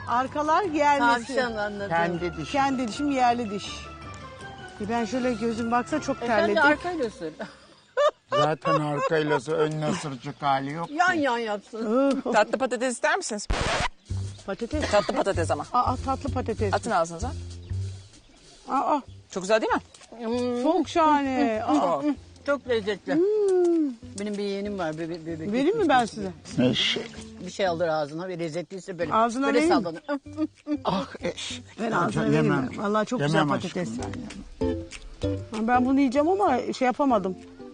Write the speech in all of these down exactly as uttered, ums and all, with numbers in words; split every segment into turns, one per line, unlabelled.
Arkalar gelmesi.
Tavşan anladım.
Kendi dişi.
Kendi dişim yerli diş. E ben şöyle gözüm baksa çok
E sen de
terledik.
arkayla sür.
Zaten arkayla ön nasırcık hali yok.
Yan yan yapsın.
Tatlı patates ister misiniz?
Patates.
Tatlı patates ama.
Aa tatlı patates.
Atın ağzınıza.
Aa
Çok güzel değil mi?
çok şahane. Aa,
Çok lezzetli. Benim bir yeğenim var. Bebek, bebek
vereyim mi ben size?
Eşek.
Bir şey alır ağzına ve lezzetliyse böyle.
Ağzına
böyle
vereyim mi?
sallanır.
Ah eşek.
Ben ağzına
Yemem.
vereyim. Vallahi çok
Yemem
güzel
aşkım
patates.
ben yemem.
Ben bunu yiyeceğim ama şey yapamadım.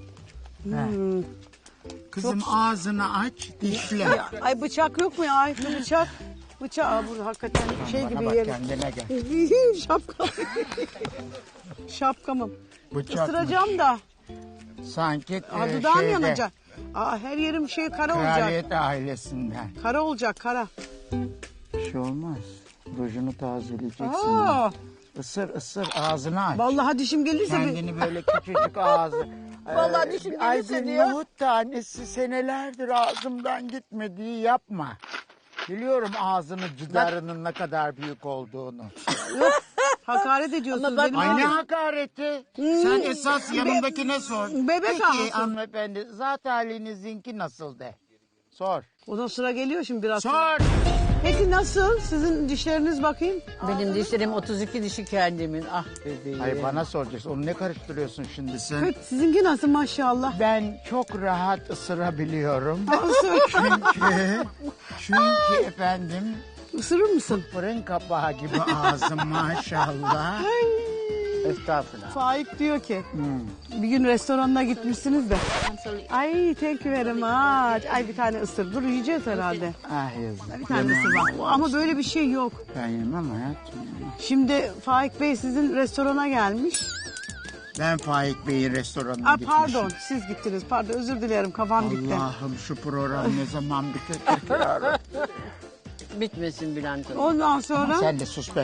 Kızım ağzını aç, dişle.
Ay bıçak yok mu ya? Ay şu bıçak. Bıçak. Aa, bu hakikaten şey
Bana
gibi
bak,
yerim.
kendine gel.
Şapka. Şapkamım.
Bıçakmış.
Isıracağım da.
Sanki
Aa,
e,
dudağım
şeyde,
yanacak. Aa, her yerim şey kara olacak.
kraliyet ailesinden.
Kara olacak kara.
Bir şey olmaz. Rujunu tazeleyeceksin.
Aa,
Isır ısır ağzını aç.
vallahi dişim gelirse bir...
Kendini böyle küçücük ağzı.
Vallahi
Ee,
dişim
ay
gelirse
bir
diyor.
nohut tanesi senelerdir ağzımdan gitmediği yapma. Biliyorum ağzının cidarının ne kadar büyük olduğunu.
Hakaret ediyorsunuz
Ama bak-
benim.
Ay ne
ağzım.
hakareti. Sen esas yanındakine sor.
Bebek
Peki
ağzı.
hanımefendi zat halinizinki nasıl de. Sor.
O da sıra geliyor şimdi biraz.
Sor.
Peki nasıl? Sizin dişleriniz bakayım.
Benim dişlerim otuz iki dişi kendimin. Ah bebeğim.
Hayır bana soracaksın. Onu ne karıştırıyorsun şimdi sen?
Evet, sizinki nasıl maşallah?
Ben çok rahat ısırabiliyorum.
Isır.
çünkü, çünkü efendim
Isırır mısın?
fırın kapağı gibi ağzım maşallah. Estağfurullah.
Faik diyor ki bir gün restoranına gitmişsiniz de. Ay thank you very much. Ay bir tane ısır. Dur yiyeceğiz herhalde.
Ah yazık.
Bir tane ısır bak. Ama böyle bir şey yok.
Ben yemem hayatım.
Şimdi Faik Bey sizin restorana gelmiş.
Ben Faik Bey'in restoranına
Aa,
gitmişim.
pardon siz gittiniz. Pardon özür dilerim kafam gitti.
Allah'ım şu program ne zaman bitecek ya?
Bitmesin Bülent Hanım.
Ondan sonra
Sen de sus be.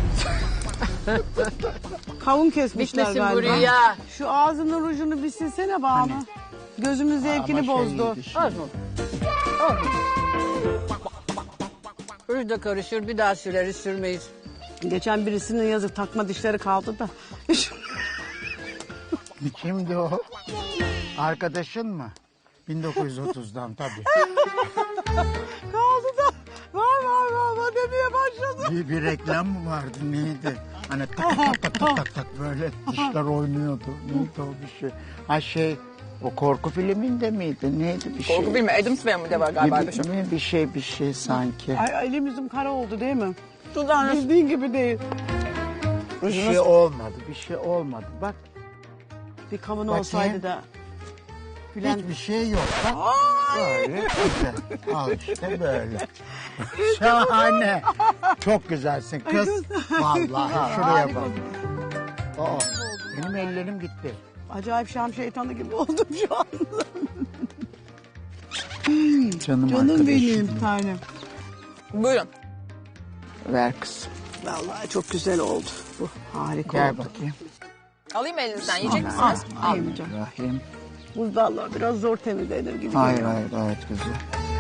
kavun kesmişler
Bitmesin
galiba.
buraya.
Şu ağzının ucunu bir silsene Banu. Gözümün zevkini
Ama şey
bozdu.
şeydi şimdi.
Az mı? Az mı? Ruj da karışır bir daha süreriz sürmeyiz.
Geçen birisinin yazık takma dişleri kaldı da.
Kimdi o? Arkadaşın mı? bin dokuz yüz otuzdan tabii.
kaldı da. Var var var var demeye başladı.
Bir, bir reklam mı vardı neydi? Hani tak tak tak tak tak tak böyle dişler oynuyordu. Neydi o bir şey? Ha şey o korku filminde miydi? Neydi bir şey?
Korku bilme. Adams Family'de var galiba.
bir,
Bir şey.
bir, bir şey bir şey sanki.
Ay elim yüzüm kara oldu değil mi?
Dudağınız.
Bildiğin gibi değil.
Bir şey olmadı. Bir şey olmadı. Bak
Bir kavun
Bakayım.
olsaydı da. Bülent
hiçbir şey yok. Bak böyle güzel. Al işte böyle. Şahane. Çok güzelsin kız. Vallahi şuraya bak. Aa, benim ellerim gitti.
Acayip Şam şeytanı gibi oldum şu anda.
Canım,
Canım
arkadaşım.
benim tanem.
Buyurun.
Ver kızım.
Vallahi çok güzel oldu. Bu harika
Gel
oldu.
bakayım.
Alayım elinizden. Yiyecek
Al,
misiniz?
al, yemeyeceğim.
Rahim.
Bu vallahi biraz zor temizlenir gibi.
Hayır
geliyor.
hayır gayet güzel.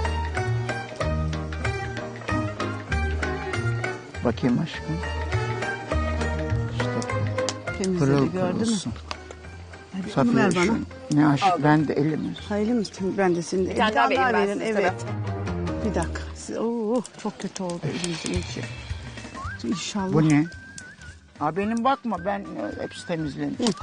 Bakayım aşkım. İşte
Temizledi
pırıl
gördün mü?
pırılsın.
Hadi onu
Safiye
ver bana.
şu. Ne aşk ben de elimi.
Hayırlı mısın? Ben de senin de.
Bir tane daha vereyim ben size,
Evet. Bir dakika. Siz- Oo, çok kötü oldu elimizin içi. İnşallah.
Bu ne? Aa, benim bakma ben e, hepsi temizlenecek.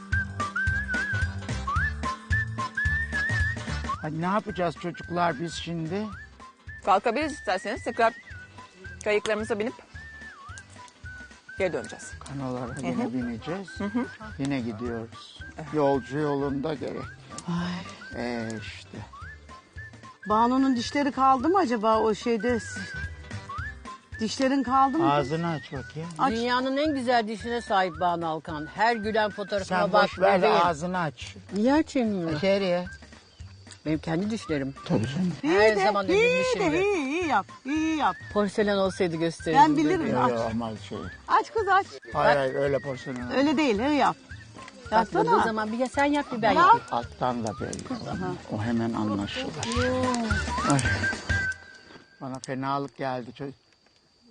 Hadi ne yapacağız çocuklar biz şimdi?
Kalkabiliriz isterseniz. Tekrar kayıklarımıza binip geri döneceğiz.
Kanolara yine bineceğiz. Yine gidiyoruz. Yolcu yolunda gerek. Ee, işte.
Banu'nun dişleri kaldı mı acaba o şeyde? Dişlerin kaldı mı?
Ağzını aç bakayım.
Aç.
Dünyanın en güzel dişine sahip Banu Alkan. Her gülen fotoğrafıma
Sen
bak
boş ver de
bebeğim.
ağzını aç.
Yer çemiyor.
İçeriye.
Benim kendi dişlerim.
Tabii canım.
Her
de,
zaman
iyi de,
övülmüşümdür.
iyi, iyi yap, iyi yap.
Porselen olsaydı gösterirdim.
Ben bilirim.
bebeğim.
Yok
Aç.
yok ama şey.
Aç kız aç.
Hayır hayır öyle porselen.
Öyle değil, iyi yap.
Yapmadığı
Yapsana.
zaman bir ya sen yap bir ben
Yap.
yapayım.
Alttan da belli. O hemen anlaşılır. Ay. Bana fenalık geldi. Çocuk.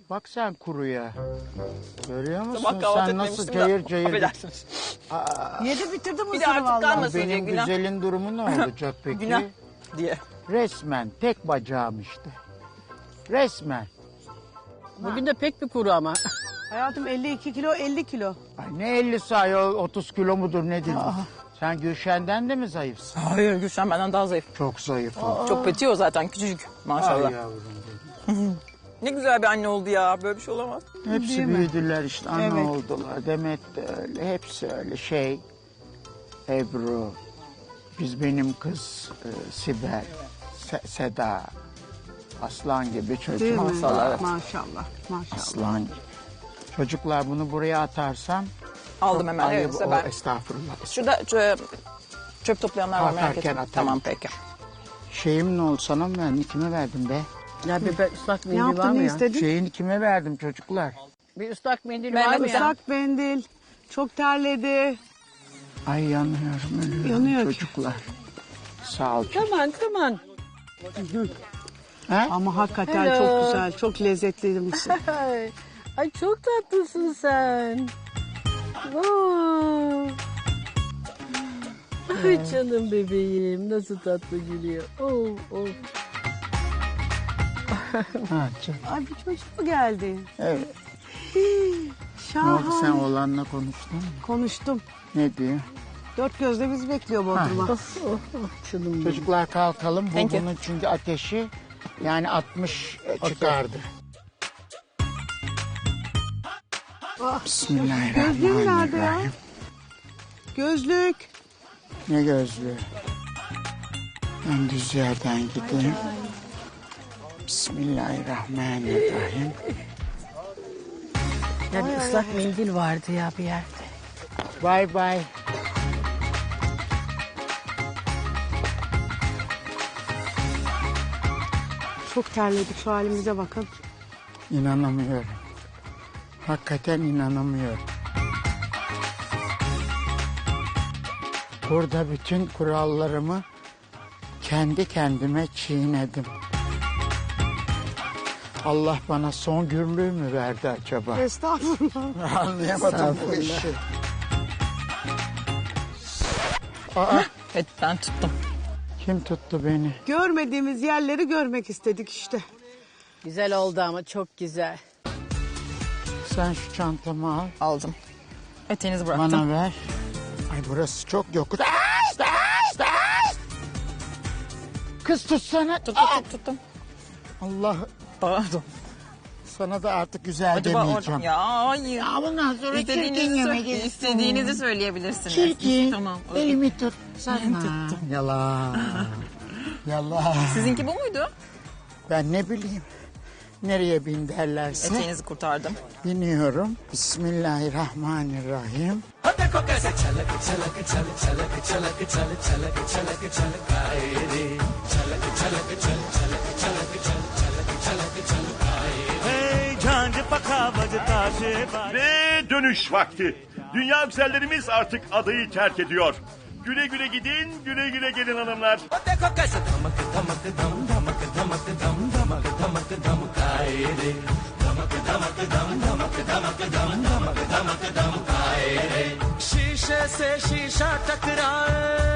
Bak sen kuruya. Görüyor musun?
Sabah kahvaltı
Sen nasıl
etmemiştim
cayır
da.
cayır.
Affedersiniz.
Yedi bitirdi
Bir de
mısırı
artık
vallahi.
kalmasın diye
Benim
günah.
güzelin durumu ne olacak peki?
Günah diye.
Resmen tek bacağım işte. Resmen.
Bugün de pek bir kuru ama.
Hayatım elli iki kilo elli kilo.
Ay ne elli sayı otuz kilo mudur nedir? Sen Gülşen'den de mi zayıfsın?
Hayır Gülşen benden daha zayıf.
Çok zayıf o.
Çok peti o zaten küçücük maşallah.
Ay yavrum benim.
Ne güzel bir anne oldu ya. Böyle bir şey olamaz.
Hepsi
Değil mi?
büyüdüler işte ana
Evet.
oldular. Demet de öyle. Hepsi öyle şey. Ebru. Biz benim kız e, Sibel. Se- Seda. Aslan gibi
Değil
çocuk.
mi?
Maşallah, evet.
Maşallah. Maşallah.
Aslan gibi. Çocuklar bunu buraya atarsam
Aldım hemen.
ayıp
Evet,
o,
ben.
estağfurullah.
Şurada çö- çöp toplayanlar var merak
Kalkarken
etme.
atarım.
Tamam peki.
Şeyim ne oldu sana mı verdin? Kime verdim be?
Ya bir be- ıslak
Ne
mendil var
yaptın
mı
ne
ya?
istedin?
Şeyini kime verdim çocuklar?
Bir ıslak mendil
Ben
var
de
mı
bir
ya?
Islak mendil. Çok terledi.
Ay yanıyorum ölüyorum
Yanıyor ki.
çocuklar. Sağ ol.
Come on, come on.
Ha?
Ama hakikaten
Hello.
çok güzel. Çok lezzetli mısır.
Ay, ay çok tatlısın sen. Wow. Ay canım bebeğim nasıl tatlı gülüyor. Oh, oh.
Ha, çok-
Ay bir çocuk mu geldi?
Evet. Ne oldu sen
Şahane.
oğlanla konuştun mu?
Konuştum.
Ne diyor?
Dört gözle biz bekliyor Bodrum'a.
Oh, oh, canım benim.
Çocuklar kalkalım. Bu
Thank you.
bunun çünkü ateşi yani altmış çıkardı.
Gözlüğüm nerede ya?
Bismillahirrahmanirrahim.
Gözlük.
Ne gözlüğü? Ben düz yerden gideyim. Bismillahirrahmanirrahim.
Ya bir ıslak mendil vardı ya bir yerde.
Bye bye.
Çok terledik şu halimize bakın.
İnanamıyorum. Hakikaten inanamıyorum. Burada bütün kurallarımı kendi kendime çiğnedim. Allah bana son gürlüğü mü verdi acaba?
Estağfurullah.
Anlayamadım bu işi. Aa,
Evet ben tuttum.
kim tuttu beni?
Görmediğimiz yerleri görmek istedik işte.
Güzel oldu ama çok güzel.
Sen şu çantamı al,
Aldım. Eteğinizi bıraktım.
bana ver. Ay burası çok yokuş. Ay, ay, ay. Kız tutsana.
Tuttum tuttum tuttum.
Allah
Pardon.
sana da artık güzel
Acaba
demeyeceğim.
orada... Ya hayır.
Ya bundan sonra çirkin
İstediğinizi,
yemek
sö- istediğinizi söyleyebilirsiniz.
Çirkin.
Tamam.
Elimi tut. Sana. Yalan. Yalan.
Sizinki bu muydu?
Ben ne bileyim. Nereye bin derlerse
Eteğinizi kurtardım.
biniyorum. Bismillahirrahmanirrahim.
Ve dönüş vakti. Dünya güzellerimiz artık adayı terk ediyor. Güle güle gidin, güle güle gelin hanımlar.
शीशे से शीशा टकराए